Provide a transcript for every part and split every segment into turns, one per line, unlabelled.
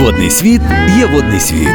Водний світ є водний світ.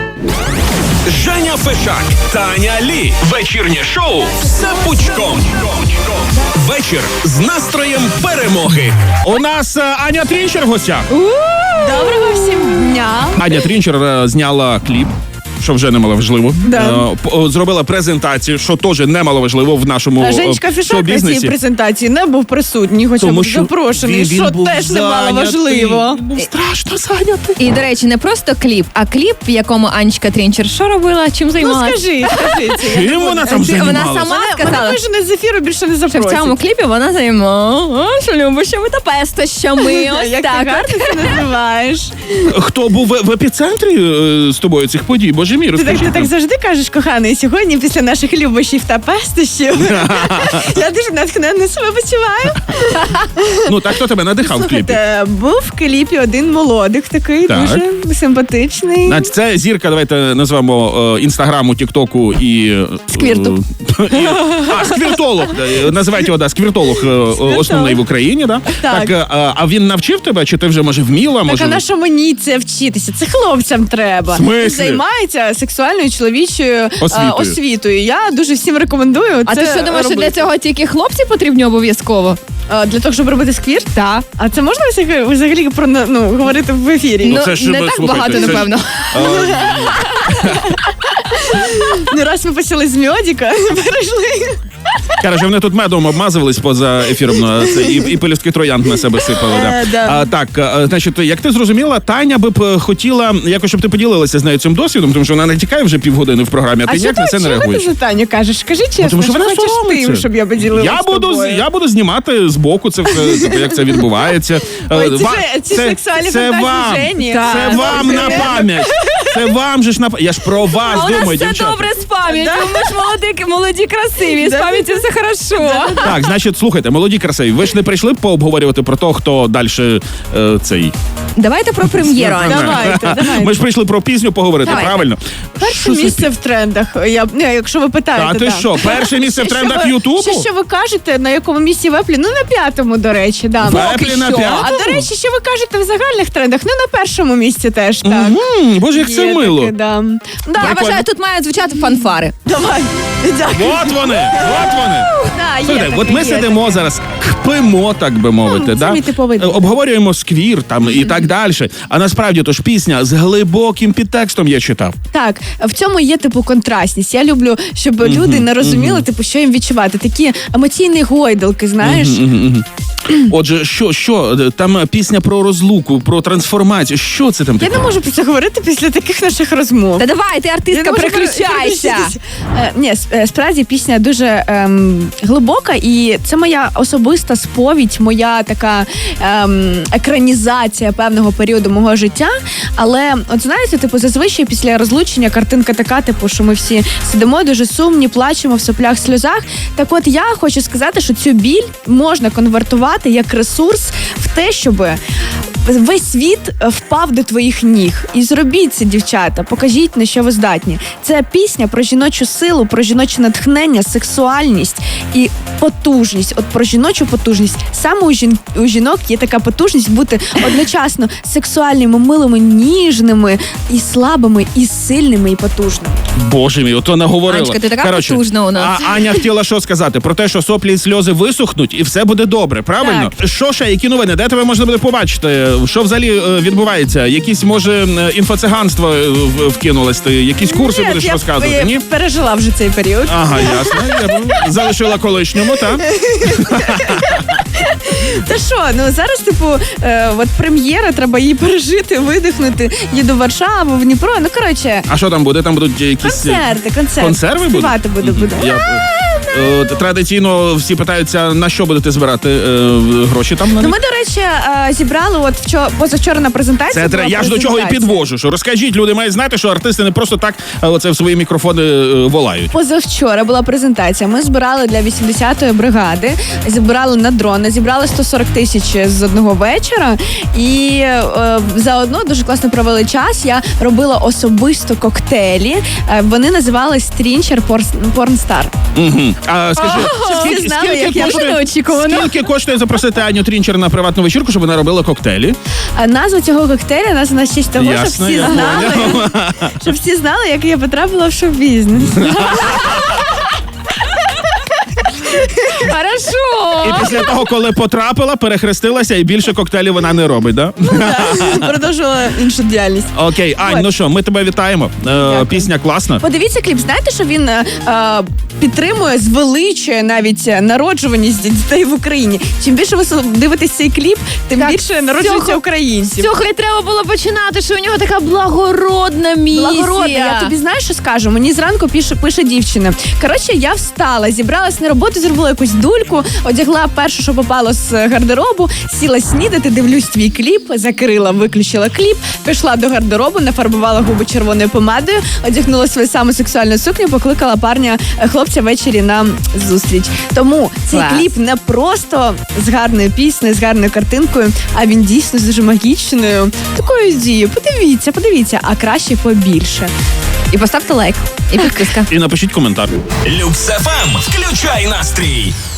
Женя Фешак, Таня Лі. Вечірнє шоу «Все пучком». Вечір з настроєм перемоги.
У нас Аня Трінчер в гостях.
Доброго всім дня.
Аня Трінчер зняла кліп, що вже немаловажливо.
Да.
Зробила презентацію, що теж немаловажливо в нашому
Женечка Фішак на цій
шоу-бізнесі.
презентації не був присутній, хоча
Тому
був
що
запрошений,
він
що
був
теж немало
зайнятий.
важливо.
Він був страшно зайнятий.
І, до речі, не просто кліп, а кліп, в якому Анечка Трінчер що робила, чим
Ну
займалася?
скажи це.
Чим вона там
Вона
займалася?
сама
Мене
сказала,
вижене з ефіру більше не
що в
запросять.
цьому кліпі вона займалася любощами та пестощами. Ось
Як ти
так.
гарно це називаєш.
Хто був в епіцентрі з тобою цих подій? Боже мій,
Ти
розкажи.
так завжди кажеш, коханий, сьогодні після наших любощів та пестощів я дуже натхненно себе почуваю.
Ну, так хто тебе надихав в кліпі?
Слухайте, був в кліпі один молодик такий,
Так.
дуже симпатичний.
Значить, це зірка, давайте назвемо інстаграму, тіктоку і...
Сквірту.
Сквіртолог. Називайте його, сквіртолог основний в Україні, да?
Так.
А він навчив тебе, чи ти вже, може, вміла?
Так,
Може...
а на що мені це вчитися? Це хлопцям треба.
В смислі?
Займається сексуальною чоловічою
Освітою.
освітою. Я дуже всім рекомендую.
А
це
ти що думаєш, що для
робити.
цього тільки хлопці потрібні обов'язково?
Для того, щоб робити сквірт?
Так.
А це можна взагалі про говорити в ефірі?
Ну, це ж,
не так
слухайте,
багато,
це ж-
напевно.
Не раз ми почали з мьодіка, перейшли.
Короче, вони тут медом обмазувались поза ефіром і пелюстки троянд на себе сипали.
Да.
Так, значить, як ти зрозуміла, Таня би б хотіла, якось, щоб ти поділилася з нею цим досвідом, тому що вона не тікає вже півгодини в програмі, а ти ніяк на це не
чого
реагуєш.
ти за Таню кажеш? Скажи чесно,
Тому що вона
хочеш
соромиться.
ти, щоб я поділилася
Я
з тобою?
я буду знімати збоку це все, як це відбувається.
Ой, ці сексуальні фантазії
вам,
Жені.
це
Так.
вам на пам'ять. Це вам же ж на пам'ять. Я ж про вас
А у нас
думаю,
все
дівчата.
добре з пам'яттю. Ми ж молоді, красиві. З
Да.
пам'яттю все хорошо.
Так, значить, слухайте, молоді красиві, ви ж не прийшли пообговорювати про те, хто далі цей...
Давайте про прем'єру, Аня.
Давайте.
Ми ж прийшли про пісню поговорити,
Давайте.
правильно?
Перше місце в трендах. Якщо ви питаєте.
Та ти що, перше місце в трендах Ютубу?
Що ви кажете, на якому місці в Еплі? Ну, на 5-му, до речі, да.
В Еплі на
Що?
5-му?
А до речі, що ви кажете в загальних трендах? Ну, на 1-му місці теж, так.
Боже, як це
Є
мило.
таке, да. Да,
Я вважаю, тут мають звучати фанфари.
давай. Дякую.
От вони.
Да, є
Слухайте,
таке,
от ми
є
сидимо
таке.
зараз, кпимо, так би мовити,
це
да?
мій типовий день.
Обговорюємо сквір там і так далі. А насправді то ж пісня з глибоким підтекстом я читав.
Так, в цьому є типу контрастність. Я люблю, щоб люди не розуміли, типу, що їм відчувати. Такі емоційні гойдалки, знаєш.
Отже, що там пісня про розлуку, про трансформацію. Що це там
Я
таке?
не можу про це говорити після таких наших розмов.
Та давай, ти
Я
артистка,
не можу
переключайся.
Ні, справді пісня дуже глибока, і це моя особиста сповідь, моя така екранізація певного періоду мого життя. Але, от знаєте, типу, зазвичай після розлучення картинка така, типу, що ми всі сидимо дуже сумні, плачемо в соплях, сльозах. Так от я хочу сказати, що цю біль можна конвертувати як ресурс в те, щоб весь світ впав до твоїх ніг. І зробіть це, дівчата, покажіть, на що ви здатні. Це пісня про жіночу силу, про жіноче натхнення, сексуальність і потужність. От про жіночу потужність. Саме у жінок є така потужність бути одночасно сексуальними, милими, ніжними, і слабими, і сильними, і потужними.
Боже мій, ото наговорила.
Анечка, ти така потужна у нас.
А Аня хотіла що сказати? Про те, що соплі і сльози висохнуть і все буде добре, правильно? Що ще, які новини? Де тебе можна буде побачити? Що взагалі відбувається? Якісь, може, інфоциганство вкинулось? Ти якісь курси будеш розказувати? Ні?
Я пережила вже цей період.
Ага, ясно. Я залишила колишньому, так?
Та що, ну зараз, типу, от прем'єра, треба її пережити, видихнути. Їду в Варшаву, в Дніпро. Ну, коротше,
А що там буде? Там будуть якісь...
концерти.
Консерви будуть?
Співати буду.
Традиційно всі питаються, на що будете збирати гроші там?
Ну, ми, до речі, зібрали от позавчора на презентації.
Це я ж до чого і підвожу. Що розкажіть, люди мають знати, що артисти не просто так оце в свої мікрофони волають.
Позавчора була презентація. Ми збирали для 80-ї бригади, зібрали на дрони, зібрали 140 тисяч з одного вечора. І заодно дуже класно провели час. Я робила особисто коктейлі. Вони називались Трінчер Порнстар.
Угу. А скажи,
всі знали, як я
неочікувано.
скільки коштує запросити Аню Трінчер на приватну вечірку, щоб вона робила коктейлі?
назва цього коктейля названа в честь того,
Ясно,
щоб всі
я
знали,
поняв.
щоб всі знали, як я потрапила в шоу-бізнес.
Хорошо.
І після того, коли потрапила, перехрестилася і більше коктейлів вона не робить, да?
Продовжувала іншу діяльність.
Окей, Ань,
От.
ну що, ми тебе вітаємо. Пісня класна.
Подивіться кліп, знаєте, що він підтримує, звеличує навіть народжуваність дітей в Україні. Чим більше ви дивитесь цей кліп, тим
Так,
більше народжується
цього-
українців.
З цього і треба було починати, що у нього така благородна місія.
Благородна, я тобі знаєш, що скажу? Мені зранку пише дівчина. Коротше, я встала, зібралась на роботу, зробила якусь дульку, одягла перше, що попало з гардеробу, сіла снідати, дивлюсь твій кліп, закрила, виключила кліп, пішла до гардеробу, нафарбувала губи червоною помадою, одягнула свою саму сексуальну сукню, покликала хлопця ввечері на зустріч. Тому цей
Клас.
кліп не просто з гарною піснею, з гарною картинкою, а він дійсно з дуже магічною такою дією. Подивіться, а краще побільше.
І поставте лайк, і підписка.
І напишіть коментар.
Люкс ФМ. Включай настрій.